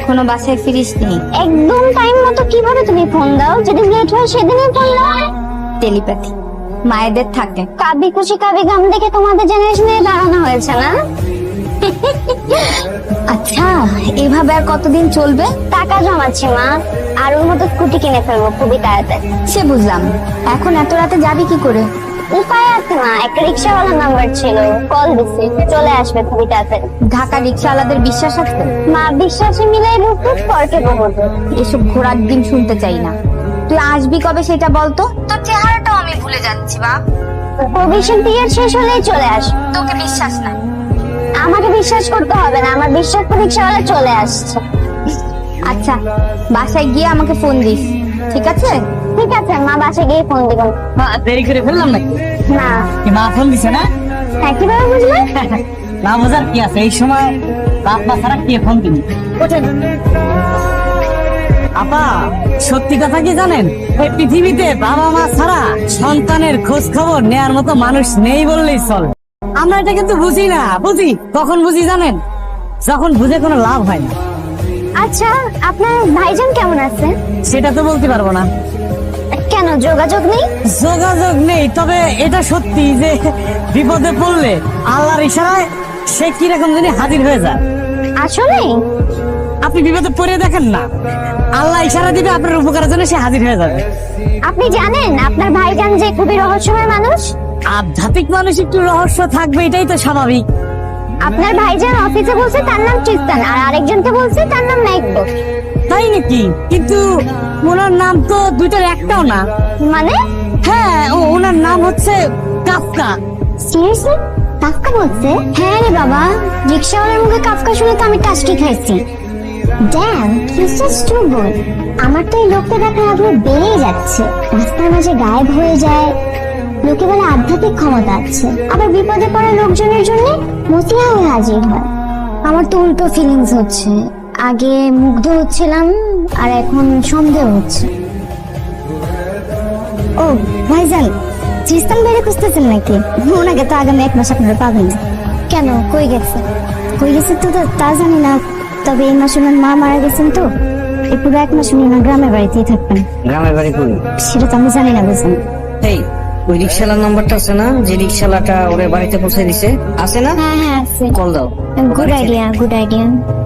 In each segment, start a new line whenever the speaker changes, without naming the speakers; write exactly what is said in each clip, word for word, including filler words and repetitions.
এখনো বাসায় ফিরিসনি?
একদম টাইম মতো কিভাবে তুমি ফোন দাও? যেদিন লেট হয় সেদিনই ফোন দাও।
টেলিপ্যাথি মায়েদের থাকে।
কাবি খুশি কাবি গাম দেখে তোমাদের জেনারেশনে দাঁড়ানো হয়েছে না?
আচ্ছা, এভাবে আর কতদিন চলবে?
টাকা জমাচ্ছি মা, আর ওর মতো স্কুটি কিনে ফেলবো খুবই তাড়াতাড়ি।
সে বুঝলাম, এখন এত রাতে যাবি কি করে?
উপায় আছে মা, একটা রিক্সাওয়ালার নাম্বার ছিল, কল দিছি, চলে আসবে খুবই তাড়াতাড়ি।
ঢাকা রিক্সাওয়ালাদের বিশ্বাস আছে?
মা বিশ্বাসে মিলাই বুকুট পরকে বহুত।
এসব ঘোড়ার ডিম শুনতে চাই না। তুই আসবি কবে সেটা বলতো? তোর চেহারাটাও আমি ভুলে যাচ্ছি বাপ।
প্রভিশন পিরিয়ড শেষ হলেই চলে আস।
তোকে বিশ্বাস না?
আমাকে বিশ্বাস করতে হবে না, আমার বিশ্বাস রিক্সাওয়ালা চলে আসছে।
আচ্ছা, বাসায় গিয়ে আমাকে ফোন দিস, ঠিক আছে?
ঠিক আছে মা, বাসায় গিয়ে ফোন দিব।
মা দেরি করে ফেললাম নাকি?
না।
কি মা ফোন দিছে না?
হ্যাঁ, কিভাবে বুঝলে?
না বোঝার কি আছে, এই সময় বাপ মা ছাড়া কে ফোন দিবি? ওঠেন। আপা, সত্যি কথা কি জানেন, এই পৃথিবীতে বাবা মা ছাড়া সন্তানের খোঁজ খবর নেয়ার মতো মানুষ নেই বললেই চলে। আমরা এটা কিন্তু বুঝি না। বুঝি কখন বুঝি জানেন? যখন বুঝে কোনো লাভ হয় না।
আচ্ছা, আপনার ভাইজান কেমন আছে?
সেটা তো বলতে পারবো না।
কেন, যোগাযোগ নেই?
যোগাযোগ নেই, তবে এটা সত্যি যে বিপদে পড়লে আল্লাহর ইশারায় সে কিরকম জানি হাজির হয়ে যায়।
আসলে
আপনি বিপদে পড়ে দেখেন না, আল্লাহ ইশারা দিবে আপনার উপকারের জন্য, সে হাজির হয়ে যাবে।
আপনি জানেন আপনার ভাইজান যে খুবই রহস্যময় মানুষ?
আধ্যাত্মিক মানুষ একটু রহস্য থাকবে, এটাই তো স্বাভাবিক।
আপনার ভাইজান অফিসে বলছে তার নাম ট্রিস্তান, আর আরেকজনকে বলছে তার নাম নাইকো।
তাই নাকি? কিন্তু ওনার নাম তো দুইটার একটাও না।
মানে?
হ্যাঁ, ও ওনার নাম হচ্ছে কাফকা।
সিরিয়াসলি? কাফকা বলছে? হ্যাঁ রে বাবা, রিক্সাওয়ালার মুখে কাফকা শুনে তো আমি টাস্টি খাইছি। Damn, his just too good. আমার তো এই লোকটা দেখার আগ্রহ বেড়েই যাচ্ছে। রাস্তার মাঝে গায়েব হয়ে যায়, লোকে বলে আধ্যাত্মিক ক্ষমতা আছে, আবার বিপদে পড়া লোকজনের জন্য মসিহা হয়ে হাজির হয়। আমার তো উল্টো ফিলিংস হচ্ছে, আগে মুগ্ধ হচ্ছিলাম আর এখন সন্দেহ হচ্ছে। ও ভাইজান, ট্রিস্তান বাইরে খুঁজতেছেন নাকি? ওনাকে তো আগামী এক মাস আপনারা পাবেন না। কেন, কই গেছে? কই গেছে তো তা জানি না, তবে এই মাসে ওনার মা মারা গেছেন তো এই পুরো এক মাস উনি ওনার গ্রামের বাড়িতেই থাকবেন।
গ্রামের বাড়ি কই?
সেটা তো আমি জানি না বুঝলেন।
এই ওই রিক্সালার নাম্বারটা আছে না, যে রিক্সালাটা ওরে বাড়িতে পৌঁছে দিছে, আছে না?
হ্যাঁ হ্যাঁ আছে।
কল দাও।
Good idea, good idea.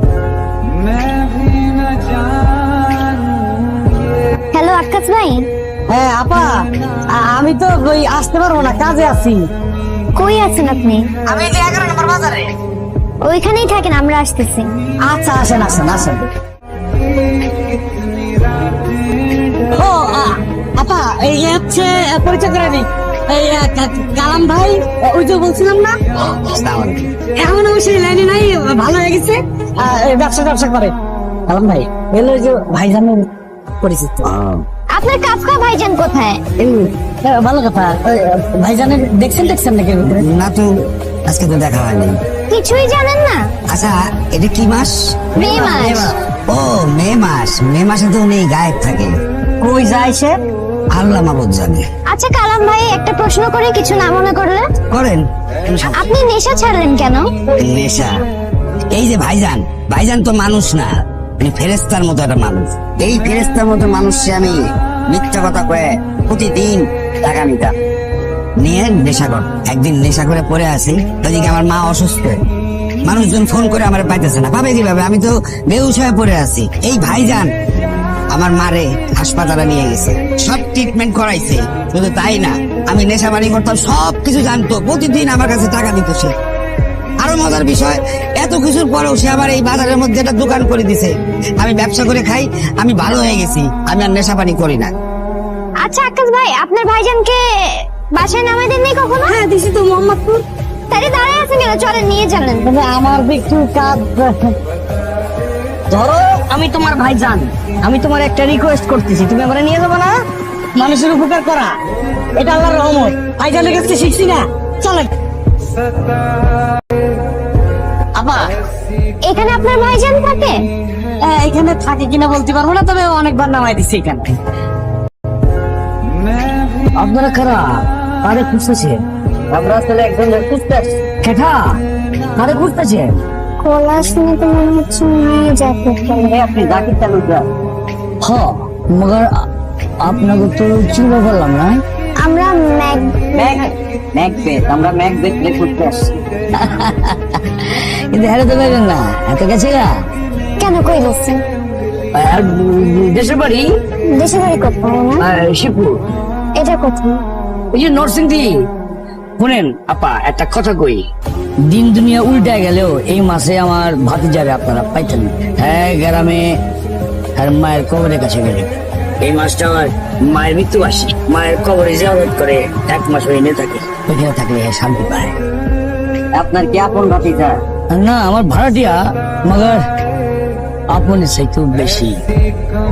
Hello Akash ভাই।
হ্যাঁ আপা, আ- আমি তো ওই আসতে পারবো না, কাজে আছি।
কই আছেন আপনি?
আমি যে এগারো নম্বর বাজারে।
ওইখানেই থাকেন, আমরা আসতেছি।
আচ্ছা, আসেন আসেন আসেন। ও আ- আপা, এই হচ্ছে পরিচয় করে দিই, এই আ, কা- কালাম ভাই, ওই যে বলছিলাম না, এখন অবশ্যই লাইনে নাই, ভালো হয়ে গেছে, আ, এই ব্যবসা ব্যবসা করে। কালাম ভাই এলো, ওই যে ভাইজানের পরিচিত।
আপনার কাফকা ভাইজান কোথায়?
এই, আ, ভালো কথা। ওই, আ, ভাইজানের দেখছেন দেখছেন নাকি?
না তো, আজকে তো দেখা হয়নি।
কিছুই জানেন না?
আচ্ছা, এটা কি মাস?
মে মাস।
ও, মে মাস। মে মাসে তো উনি গায়েব থাকে।
কই যায় সে?
আল্লাহ মাবুদ জানে।
আচ্ছা কালাম ভাই, একটা প্রশ্ন করে কিছু না মনে করলে?
করেন।
আপনি নেশা ছাড়লেন কেন?
নেশা? এই যে ভাইজান, ভাইজান তো মানুষ না, মানে ফেরেস্তার মতো একটা মানুষ। এই ফেরেস্তার মতো মানুষকে আমি মিথ্যা কথা কয়ে প্রতিদিন টাকা নিতাম, নিয়ে নেশা কর। একদিন নেশা করে পড়ে আছি, ওইদিকে আমার মা অসুস্থ, মানুষজন ফোন করে আমার পাইতেছে না, পাবে কিভাবে? আমি তো বেহুশ হয়ে পড়ে আছি। এই ভাইজান আমার মারে হাসপাতালে নিয়ে গেছে, সব ট্রিটমেন্ট করাইছে। শুধু তাই না, আমি নেশা বাড়ি করতাম, সব কিছু জানতো, প্রতিদিন আমার কাছে টাকা দিত সে। আরো মজার বিষয়, এত কিছুর পরেও সে আবার এই বাজারের মধ্যে একটা দোকান করে দিছে। আমি ব্যবসা করে খাই, আমি ভালো হয়ে গেছি, আমি আর নেশা পানি করি না।
আচ্ছা আকাশ ভাই, আপনার ভাইজানকে বাসায় নামাই দেননি কখনো?
হ্যাঁ দিছি তো, মোহাম্মদপুর।
তাহলে দাঁড়ায় আছেন কেন, চলেন নিয়ে যাবেন।
তবে আমার একটু কাজ। ধরো আমি তোমার ভাইজান, আমি তোমার একটা রিকোয়েস্ট করতেছি, তুমি আমার নিয়ে যাবো না? মানুষের উপকার করা এটা আল্লাহর রহমত, ভাইজানের কাছে শিখছি না। চলেন। আপা,
এখানে আপনার ভাইজান থাকে?
হ্যাঁ, এখানে থাকে কিনা বলতে পারবো না, তবে অনেকবার নামাই দিছি এখানে। আপনারা কারা? কারে খুঁজতেছে? আমরা আসলে একজন খুঁজতে। কেঠা কারে খুঁজতেছে?
গলা শুনে তো মনে হচ্ছে মেয়ে জাকেট পরে।
আপনি জাকির তালুকদার?
হ মগর আপনাকে তো চিন্তা করলাম না।
আমরা ম্যাক
ম্যাক ম্যাকবেথ, আমরা ম্যাকবেথ প্লে করতে আসছি।
কিন্তু হেরে তো পাইবেন না, এত গেছে গা।
কেন কই গেছে?
আর দেশের বাড়ি
দেশের বাড়ি কোথায় না?
আর শিবপুর,
এটা কোথায়?
ওই যে নরসিংদী। শুনেন আপা, একটা কথা কই, দিন দুনিয়া উল্টা গেলেও এই মাসে আমার ভাতি যাবে আপনারা পাইতেন। হ্যাঁ গ্রামে আর মায়ের কবরের কাছে গেলে এই মাসটা আমার মায়ের মৃত্যু আসে, মায়ের কবরে জিয়ারত করে এক মাস হয়ে নিয়ে থাকে, ওইখানে থাকলে শান্তি পায়।
আপনার কি আপন ভাতিজা?
না আমার ভাড়াটিয়া, মগর আপনের চাইতেও বেশি।